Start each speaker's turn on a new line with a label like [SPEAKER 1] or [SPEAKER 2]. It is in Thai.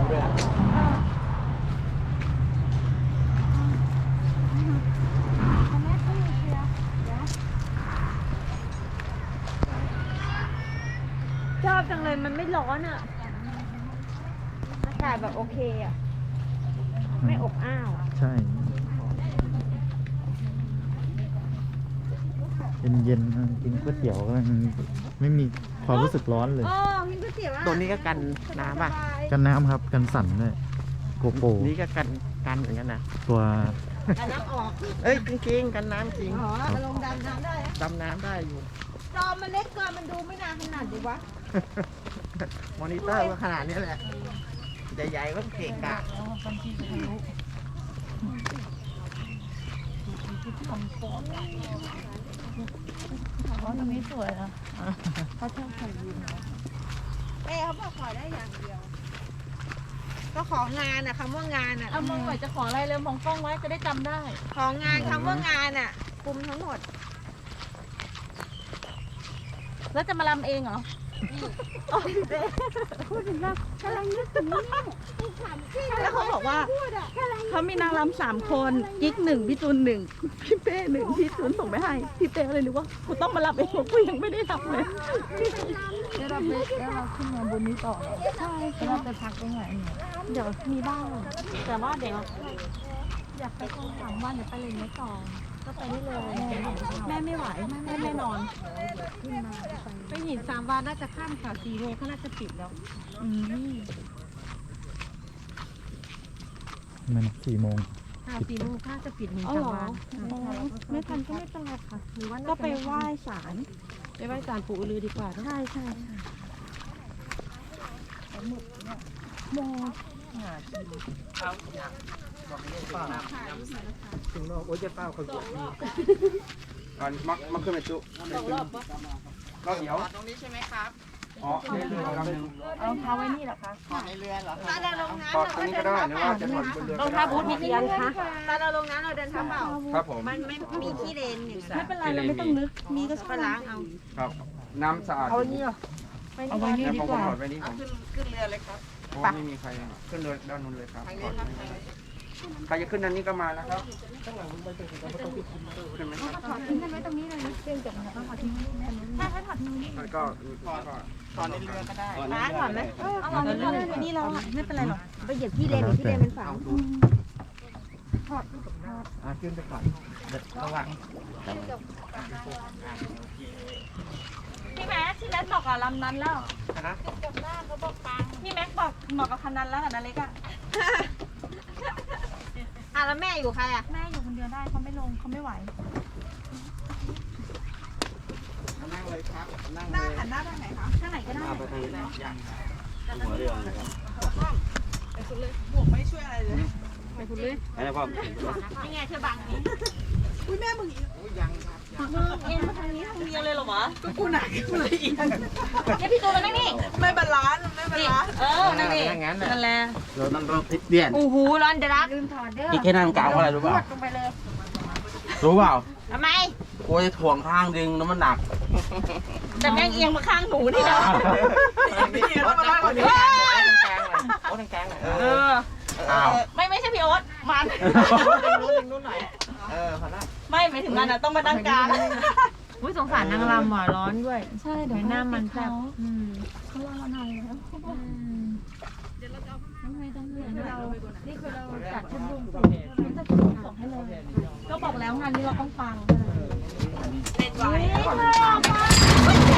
[SPEAKER 1] ชอบจังเลยมันไม่ร้อนอ่ะอากาศแบบโอเคอ่ะไม่อบอ้าว
[SPEAKER 2] ใช่เย็นๆกินก๋วยเตี๋ยวก็ไม่มีความรู้สึกร้อนเลย
[SPEAKER 1] กินก๋วยเตี๋ยว
[SPEAKER 3] ตัวนี้ก็กันน้ำป่ะ
[SPEAKER 2] กันน้ำครับกันสั่นด้วยโกโป
[SPEAKER 3] นี่ก็กันเหมือนกันนะ
[SPEAKER 2] ตัว
[SPEAKER 1] กันน้ำออก
[SPEAKER 3] เอ้ยจริงๆกันน้ำจริง
[SPEAKER 1] ลงดำน้ำได้
[SPEAKER 3] ดำน้ำได้อยู่
[SPEAKER 1] จอมันเล็กเกินมันดูไม่นานขนาดดีวะ
[SPEAKER 3] มอนิเตอร์ก็ขนาดนี้แหละใหญ่ๆก็เก่งกะ
[SPEAKER 1] ตรงนี้สวยนะเขาชอบใส่ยีนเขาบอกขอได้อย่างเดียวก็ของานอ่ะคำว่างานอ่ะ
[SPEAKER 4] มองหน่อยจะขออะไรเลยมองกล้องไว้จะได้จำได้
[SPEAKER 1] ของงานคำว่างานอ่ะคุมทั้งหมด
[SPEAKER 4] แล้วจะมาลำเองเหรอ
[SPEAKER 1] พูดถึงว่ากำลังนึกถึงนี่
[SPEAKER 4] แล้วเขาบอกว่าเขามีนางรำ3 คนกิ๊ก1พี่จูน1พี่เป้1พี่จูนส่งไปให้พี่เป้เลยนึกว่ากูต้องมาลำเองกูยังไม่ได้ทำเลยแล้วเราขึ้นมาบนนี้ต่อใช่เราไปพักตรงไหนเดี๋ยวมีบ้างแต่ว่าเดี๋ยวอยากไปคง3 วันเดี๋ยวไปเลยไม่ต่อก็ไปได้เลยแม่ไม่ไหวแม่ไม่นอนไปหิน3 วันน่าจะข้ามค่ะ4 โมงเขาน่าจะปิดแล้ว
[SPEAKER 2] มัน4 โมง
[SPEAKER 4] 4 โมงน่าจะปิดหิน3 วันไม่ทันก็ไม่เป็นไรค่ะหรือว่าก็ไปไหว้ศาลปู่อือลือดีกว่าใช่โม
[SPEAKER 3] ถึงโอ้ยจะเป้าเขาอยู่ดีก่อนมักขึ้นไปจุก็เดี๋ยวตรงนี้ใช่ไหมครับอ๋อในเรือลำนึง
[SPEAKER 4] รองเท้าไว้นี่เหรอคะ
[SPEAKER 3] ในเรือเหรอ
[SPEAKER 1] ตอนเราลงน้ำ
[SPEAKER 3] ตอนนี้ก็ได้หรือว่าจะถอดบนเรือ
[SPEAKER 4] รองเท้าบูทมีกี่อันคะ
[SPEAKER 1] ตอนเราลงน้ำเราเดินเท้าเปล่า
[SPEAKER 3] ครับผม
[SPEAKER 1] มันไม่มีขี้เลนอย่าง
[SPEAKER 4] ไม่เป็นไรเราไม่ต้องนึกมีก็
[SPEAKER 1] ไปล้างเอา
[SPEAKER 3] ครับน้ำสะอาด
[SPEAKER 4] เอานี่เอาไว้นี่ดีกว่า
[SPEAKER 3] ไว้นี่ผมขึ้นเรือเลยครับเพราะไม่มีใครขึ้นเรือด้านนู้นเลยครับใครจะขึ้นด้านนี้ก็มานะครับขึ้นไหมครับ
[SPEAKER 4] ถอดทิ้งกันไว้ตรงนี้เลยเรื่องจบแล้วก็ถอดทิ้งถ้าถอดทิ้งนี่
[SPEAKER 3] ก็ถอดในเรือก็ได้
[SPEAKER 1] ถอดไหม
[SPEAKER 4] เอาเรื่องไปนี่เราไม่เป็นไรหรอก
[SPEAKER 1] ไปเหยียบขี้เลนขี้เลนมันฝัง
[SPEAKER 4] ถอด
[SPEAKER 3] ขึ้นไปก่อนระวัง
[SPEAKER 4] พี่แม็กบอกกับลำนั้นแล้วพี่แม็กบอกเหมาะกับคันนั้นแล้วกับนาเล็กอะ
[SPEAKER 1] แล้วแม่อยู่ใครอะ
[SPEAKER 4] แม่อยู่คนเดียวได้เขาไม่ลงเขาไม่ไหว
[SPEAKER 3] นั่งเลยครับนั่ง
[SPEAKER 1] เลยหันหน้าทางไหนคะ
[SPEAKER 4] ทางไหนก็ได้
[SPEAKER 3] ไปทางนี้ยังหัวเรือนะครับ
[SPEAKER 1] ไปคุณเลยหมวกไม่ช่วยอะไรเลย
[SPEAKER 4] ไปคุณเลย
[SPEAKER 3] อะไรพ่อ
[SPEAKER 4] นี่ไงเธอบังนี้
[SPEAKER 1] อุ้ยแม่มึง
[SPEAKER 3] ยังครับ
[SPEAKER 4] มึงเอ็นมาทางนี้ทางเดียวเลยเหรอวะ
[SPEAKER 1] ก็กูหนักกูเลยอีก
[SPEAKER 4] เนี่ยพี่ตูนนั่งนี่
[SPEAKER 1] ไม่บาลานซ์
[SPEAKER 4] นั่งนี่นั่นแหละ
[SPEAKER 3] เรานั่งรถพลิกเปลี่ยน
[SPEAKER 4] โอ้โหร้อนจะรักลืมถอดเด้อ
[SPEAKER 3] อีกแค่นั่งกลางอะไรรู้เปล่า
[SPEAKER 4] ลงไปเลย
[SPEAKER 3] รู้เปล่า
[SPEAKER 4] ทำไม
[SPEAKER 3] กูจะถ่วงข้างดึงแล้วมันหนัก
[SPEAKER 4] แต่แม่งเอียงมาข้างหนูนี่นะ
[SPEAKER 3] โอ๊ตแกง
[SPEAKER 4] ไม่ใช่พี่โอ๊ตมัน
[SPEAKER 3] นู้นหน่อยพอละ
[SPEAKER 4] ไม่หมายถึงมันอะต้องมาตั้งกลาง
[SPEAKER 1] อุ้ยสงสารนางรำหมอร้อนด้วย
[SPEAKER 4] ใช่เดี๋ยว
[SPEAKER 1] หน้ามันแซ่บ
[SPEAKER 4] เขาลามานานแล้วเดี๋ยวเราจะเอาไม่ต้องนี่คือเราจัดชุดรวมส่งให้เลยก็บอกแล้วงานนี้เราต้องฟัง
[SPEAKER 1] เป็นไหว